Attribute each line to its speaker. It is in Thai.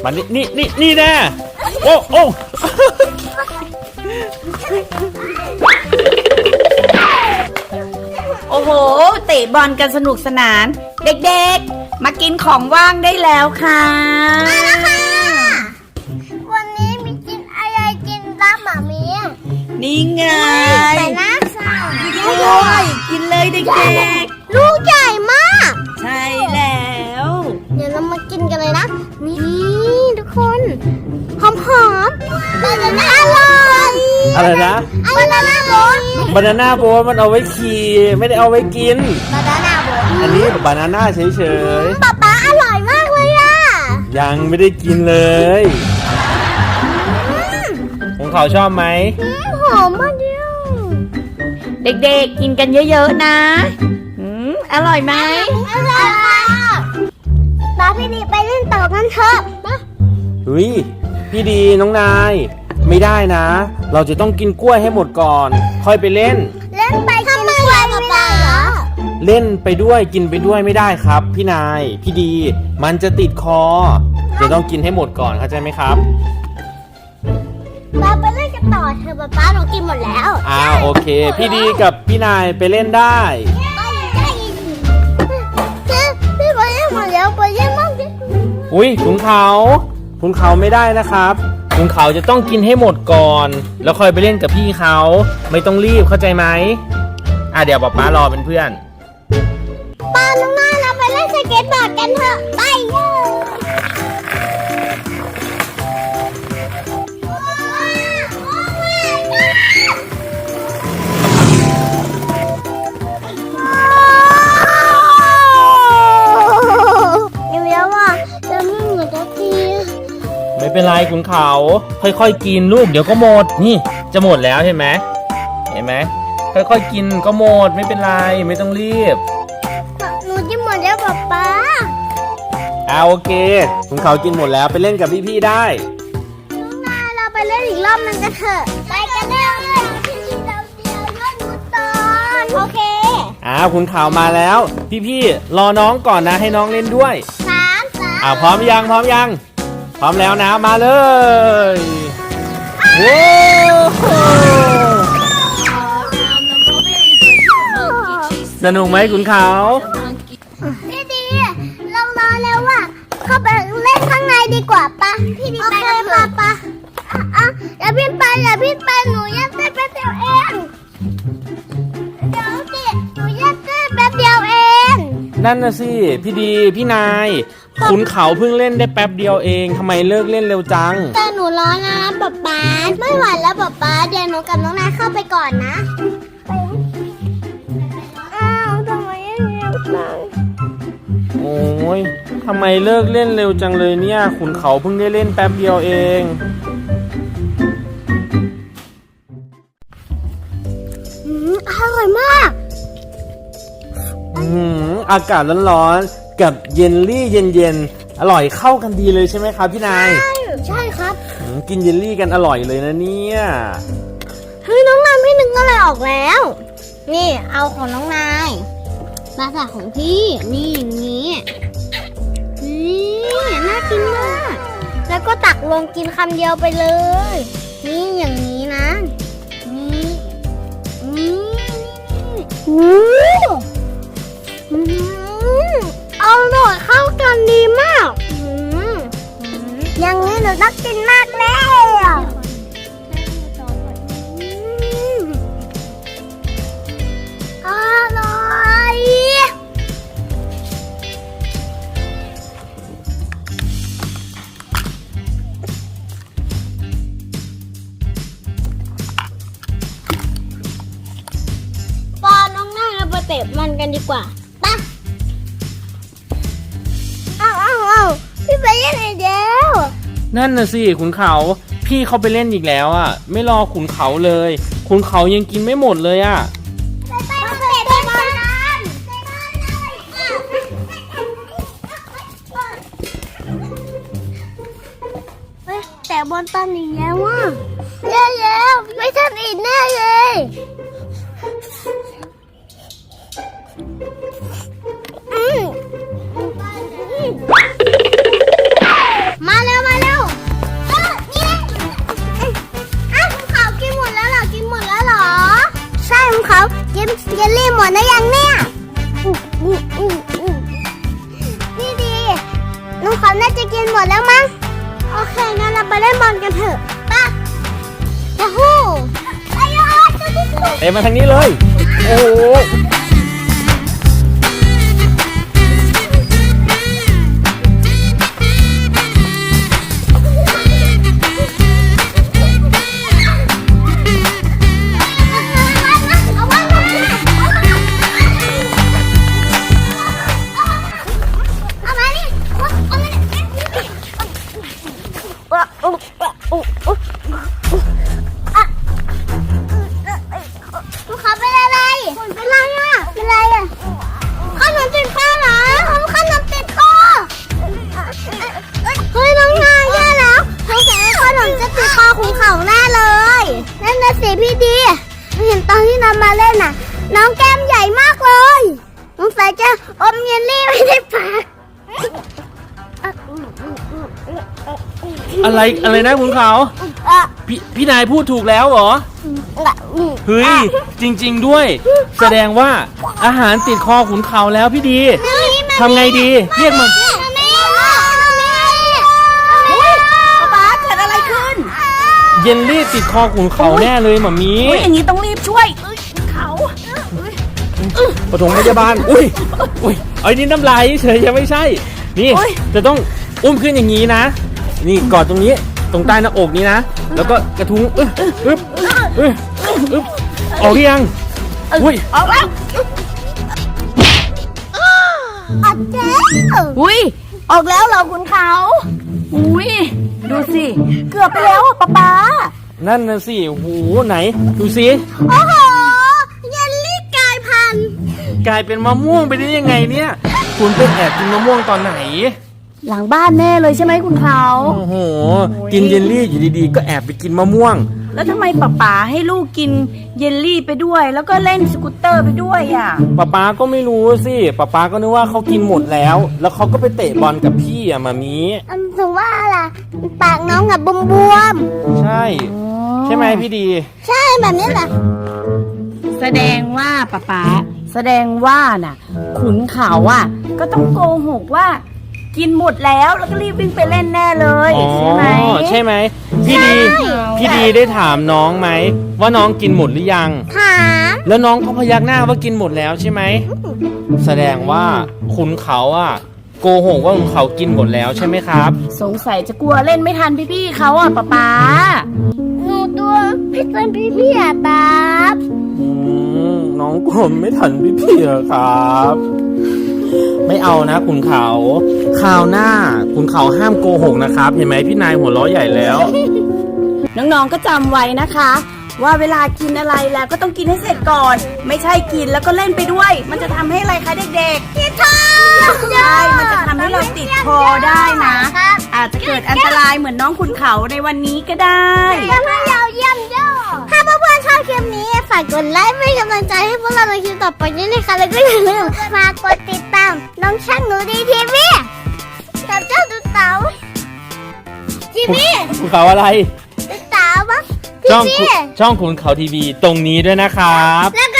Speaker 1: มานี่แน่โอ้
Speaker 2: โอ้โหเตะบอลกันสนุกสนานเด็กๆมากินของว่างได้แล้วค่ะ
Speaker 3: มาแล้วค่ะวันนี้มีกินอะไรกินตามหมามี
Speaker 2: นี่ไง
Speaker 3: แต่น่าสั่ง
Speaker 2: ด้วยกินเลยเด็ก
Speaker 3: ๆลูกใหญ่มาก
Speaker 2: ใช่แล้ว
Speaker 3: เดี๋ยวเรามากินกันเลยนะนี่ทุกคนหอมบานาน่าอร่อย
Speaker 1: อะไรนะ
Speaker 3: บานาน่าโบ๊ท
Speaker 1: บานาน่าโบ๊ทมันเอาไว้ขี่ไม่ได้เอาไว้กิน
Speaker 3: บานาน่าโบ๊ท
Speaker 1: อันนี้บานาน่าเฉย
Speaker 3: ๆป๊าอร่อยมากเลยอ่ะ
Speaker 1: ยังไม่ได้กินเลยของเขาชอบไหม
Speaker 3: หอมมากเดียว
Speaker 2: เด็กๆกินกันเยอะๆนะอร่อยไหม
Speaker 3: อร่อยค่ะป้าพี่ดีไปเล่นต่อกันเถอะ
Speaker 1: พี่ดีน้องนายไม่ได้นะเราจะต้องกินกล้วยให้หมดก่อนค่อยไปเล่น
Speaker 3: ไปกินกล้วยไม่ได้เหรอ
Speaker 1: เล่นไปด้วยกินไปด้วยไม่ได้ครับพี่นายพี่ดีมันจะติดคอจะต้องกินให้หมดก่อนเข้าใจไหมครับ
Speaker 3: ป้าไปเล่นกันต่อเถอะป้าหนูกินหมดแล้ว
Speaker 1: โอเคพี่ดีกับพี่นายไปเล่นได้
Speaker 3: พี่ไปเล่นหมดแล้วไปเล่นมั่งดิ
Speaker 1: ขุนเขาไม่ได้นะครับขุนเขาจะต้องกินให้หมดก่อนแล้วค่อยไปเล่นกับพี่เขาไม่ต้องรีบเข้าใจไหมเดี๋ยวป๊ารอเป็นเพื่อน
Speaker 3: ป้าน้องนาเราไปเล่นสเก็ตบอร์ดกันเถอะไป
Speaker 1: ไม่เป็นไรขุนเขาค่อยๆกินลูกเดี๋ยวก็หมดนี่จะหมดแล้วเห็นไหมค่อยๆกินก็หมดไม่เป็นไรไม่ต้องรีบ
Speaker 3: หนูกินหมดแล้วป๊า
Speaker 1: โอเคขุนเขากินหมดแล้วไปเล่นกับพี่ๆได้
Speaker 3: น้องนาเราไปเล่นอีกรอบนึงกันเถอะไปกันเลยพี่เราเดียวเล่นมุดตอนโอเค
Speaker 1: ขุนเขามาแล้วพี่ๆรอน้องก่อนนะให้น้องเล่นด้วย
Speaker 3: 3
Speaker 1: พร้อมยังพร้อมแล้วนะมาเลยว้สนุกไหมขุนเขา
Speaker 3: พี่ดีเรารอแล้วว่ะเข้าไปเล่นข้างในดีกว่าปะพี่ดีไปกันเถอะปะอย่าพี่ไปหนูยัดเส้นแป๊บเดียวเองเดี๋ยวสิหนูยัดเส้นแป๊บเดียวเอง
Speaker 1: นั่นน่ะสิพี่ดีพี่นายขุนเขาเพิ่งเล่นได้แป๊บเดียวเองทำไมเลิกเล่นเร็วจัง
Speaker 3: แต่หนูร้อนนะป๊าไม่ไหวแล้วป๊าเดี๋ยวหนูกับน้องนายเข้าไปก่อนนะทำไมยังเร็วจัง
Speaker 1: โอ้ยทำไมเลิกเล่นเร็วจังเลยเนี่ยขุนเขาเพิ่งได้เล่นแป๊บเดียวเอง
Speaker 3: อร่อยมาก
Speaker 1: อากาศร้อนๆกับเยลลี่เย็นๆอร่อยเข้ากันดีเลยใช่ไหมครับพี่นาย
Speaker 3: ใช่ครับ
Speaker 1: กินเยลลี่กันอร่อยเลยนะเนี่ย
Speaker 3: น้องนายพี่นึงก็เลยออกแล้วนี่เอาของน้องนายมาใส่ของพี่นี่อย่างนี้นี่น่ากินมากแล้วก็ตักลงกินคำเดียวไปเลยนี่อย่างนี้นะนี่เอาหน่อยเข้ากันดีมากอย่างนี้หนูต้องกินมากแล้วอร่อยปอน้องหน้าเราไปเตะมันกันดีกว่าป่ะพี่ไปเล่นอีกแล้ว
Speaker 1: นั่นน่ะสิขุนเขาพี่เขาไปเล่นอีกแล้วไม่รอขุนเขาเลยขุนเขายังกินไม่หมดเลย
Speaker 3: แต่บอลตันอีกแล้วแย่แล้วไม่ทันอีกแน่เลยมาเร็วดนะยังเนี่ยพี่ดีลุงเขาน่าจะกินหมดแล้วมั้งโอเคงั้นเราไปเล่นบอลกันเถอะป่ะยาฮูไอ้ยาจะที่สุด
Speaker 1: เตะมาทางนี้เลย โอ้โห
Speaker 3: เขาเป็นอะไรเป็นไรอ่ะเป็นไรอ่ะขนมติดคอเหรอขนมติดคอเฮ้ยน้องนายแย่แล้วสงสัยขนมจะติดคอของเขาแน่เลยนั่นน่ะสิพี่ดีเห็นตอนที่น้องมาเล่นน่ะน้องแก้มใหญ่มากเลยสงสัยจะอมเยลลี่ไม่ได้ปาก
Speaker 1: อะไรนะคุณเขาพี่นายพูดถูกแล้วเหรอ เฮ้ย จริงๆด้วย แสดงว่าอาหารติดคอขุนเขาแล้วพี่ดีทำไงดีเรียกมัน
Speaker 2: ป๊าเกิดอะไรขึ้น
Speaker 1: เยลลี่ติดคอขุนเขาแน่เลยหมามี
Speaker 2: อุ้ยอย่างนี้ต้องรีบช่วยเขา
Speaker 1: ปฐมพยาบาลอุ้ยไอ้นี่น้ำลายเฉยยังไม่ใช่ นี่จะต้องอุ้มขึ้นอย่างนี้นะ นี่กอดตรงนี้ตรงใต้หน้าอกนี้นะแล้วก็กระทุ้งออกหรือยังอุ้ย
Speaker 2: ออกแล้ว
Speaker 3: อัดเจ๊
Speaker 2: อุ้ยออกแล้วเหรอคุณเขาอุ้ยดูสิเกือบไปแล้วอ่ะป๊า
Speaker 1: นั่นน่ะสิหูไหนดูสิ
Speaker 3: โอ้โหเยลลี่กลายพันธุ์
Speaker 1: กลายเป็นมะม่วงไปได้ยังไงเนี่ยคุณไปแอบกินมะม่วงตอนไหน
Speaker 2: หลังบ้านแน่เลยใช่ไหมคุณเขา
Speaker 1: โอ้โหกินเยลลี่อยู่ดีๆก็แอบไปกินมะม่วง
Speaker 2: แล้วทำไมป๊าให้ลูกกินเยลลี่ไปด้วย แล้วก็เล่นสกูตเตอร์ไปด้วยอ่ะ
Speaker 1: ป๊าก็ไม่รู้สิป๊าก็นึกว่าเขากินหมดแล้ว แล้วเขาก็ไปเตะบอลกับพี่อะมามี
Speaker 3: ถึงว่าล่ะปากน้องอะบวม
Speaker 1: ใช่ ใช่ไหมพี่ดี
Speaker 3: ๆใช่แบบนี้แหละ
Speaker 2: แสดงว่าป๊าแสดงว่าน่ะ ขุนเขาอ่ะ ก็ต้องโกหกว่า กินหมดแล้วแล้วก็รีบวิ่งไปเล่นแน่เลย
Speaker 1: อ๋อ
Speaker 2: ใช่ไหม
Speaker 1: ใช่ไหมพี่ดีได้ถามน้องไหมว่าน้องกินหมดหรือยัง
Speaker 3: ถาม
Speaker 1: แล้วน้องก็พยักหน้าว่ากินหมดแล้วใช่ไหมแสดงว่าขุนเขาอะโกหกว่าขุนเขากินหมดแล้วใช่ไหมครับ
Speaker 2: สงสัยจะกลัวเล่นไม่ทันพี่ๆเขาอ่ะป๊า
Speaker 3: หนูตัวพี่ต้นพี่อะตาบ
Speaker 1: น้องกลมไม่ทันพี่ๆอะครับ ไม่เอานะขุนเขาคราวหน้าขุนเขาห้ามโกหกนะครับเห็นไหมพี่นายหัวเราะใหญ่แล้ว
Speaker 2: น้องๆก็จำไว้นะคะ ว่าเวลากินอะไรแล้วก็ต้องกินให้เสร็จก่อน ไม่ใช่กินแล้วก็เล่นไปด้วย มันจะทำให้อะไรคะเด็กๆ
Speaker 3: ติดคอ
Speaker 2: ใช่ มันจะทำให้เราติดคอได้นะ อาจจะเกิดอันตรายเหมือนน้องขุนเขาในวันนี้ก็ได้
Speaker 3: แล้วถ้าเราเยี่ยมยอดถ้าเพื่อนๆชอบคลิปนี้ฝากกดไลค์เป็นกำลังใจให้พวกเราในคลิปต่อไปด้วยนะคะแล้วก็อย่าลืมฝากกดติดตามน้องช่างหนูดีทีวีกับเจ้าตุ๊เต๋าทีวี
Speaker 1: ขุนเขาอะไร
Speaker 3: ตุ๊เต๋าปะ
Speaker 1: ช่อง
Speaker 3: ทีวี
Speaker 1: ขุนเขาทีวีตรงนี้ด้วยนะครับ
Speaker 3: แล้วก็